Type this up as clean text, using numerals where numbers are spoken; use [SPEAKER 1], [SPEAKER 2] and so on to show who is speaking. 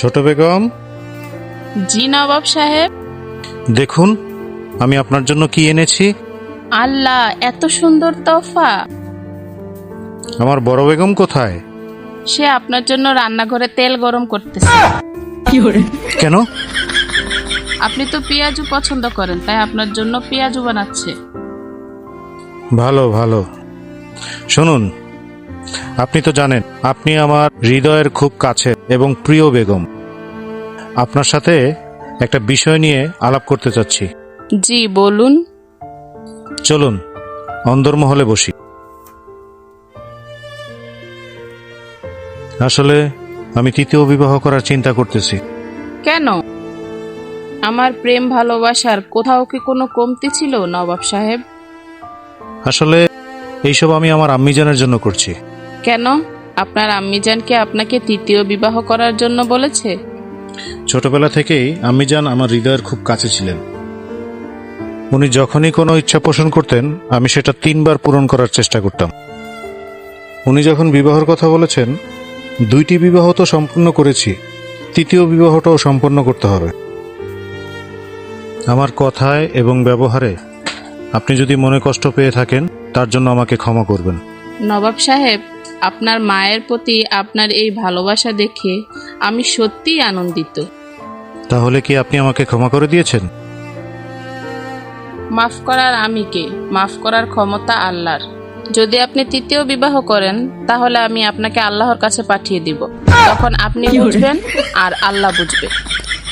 [SPEAKER 1] ছোট বেগম,
[SPEAKER 2] জি নবাব সাহেব।
[SPEAKER 1] দেখুন আমি আপনার জন্য কি এনেছি।
[SPEAKER 2] আল্লাহ, এত সুন্দর তোফা!
[SPEAKER 1] আমার বড় বেগম কোথায়?
[SPEAKER 2] সে আপনার জন্য রান্নাঘরে তেল গরম করতেছে।
[SPEAKER 1] কেন?
[SPEAKER 2] আপনি তো পেঁয়াজু পছন্দ করেন, তাই আপনার জন্য পেঁয়াজু বানাচ্ছে।
[SPEAKER 1] ভালো ভালো। শুনুন, আপনি তো জানেন আপনি আমার হৃদয়ের খুব কাছে এবং প্রিয় বেগম। আপনার সাথে একটা বিষয় নিয়ে আলাপ করতে চাচ্ছি।
[SPEAKER 2] জি বলুন।
[SPEAKER 1] চলুন অন্দরমহলে বসি। আসলে আমি তৃতীয় বিবাহ করার চিন্তা করতেছি।
[SPEAKER 2] কেন? আমার প্রেম ভালোবাসার কোথাও কি কোনো কমতি ছিল নবাব সাহেব?
[SPEAKER 1] আসলে এইসব আমি আমার আম্মিজানের জন্য করছি।
[SPEAKER 2] কেন? আপনার আম্মিজান কি আপনাকে তৃতীয় বিবাহ করার জন্য বলেছে?
[SPEAKER 1] ছোটবেলা থেকেই আম্মিজান আমার হৃদয়ের খুব কাছে ছিলেন। উনি যখনই কোনো ইচ্ছা পোষণ করতেন আমি সেটা 3 বার পূরণ করার চেষ্টা করতাম। উনি যখন বিবাহের কথা বলেছেন, 2টি বিবাহ তো সম্পূর্ণ করেছি, তৃতীয় বিবাহটাও সম্পন্ন করতে হবে। আমার কথায় এবং ব্যবহারে আপনি যদি মনে কষ্ট পেয়ে থাকেন তার জন্য আমাকে ক্ষমা করবেন।
[SPEAKER 2] নবাব সাহেব, আপনার মায়ের প্রতি আপনার এই ভালোবাসা দেখে আমি সত্যিই আনন্দিত।
[SPEAKER 1] তাহলে কি আপনি আমাকে ক্ষমা করে দিয়েছেন?
[SPEAKER 2] মাফ করার আমি কে? মাফ করার ক্ষমতা আল্লাহর। যদি আপনি তৃতীয় বিবাহ করেন তাহলে আমি আপনাকে আল্লাহর কাছে পাঠিয়ে দিব। তখন আপনি বুঝবেন আর আল্লাহ বুঝবে।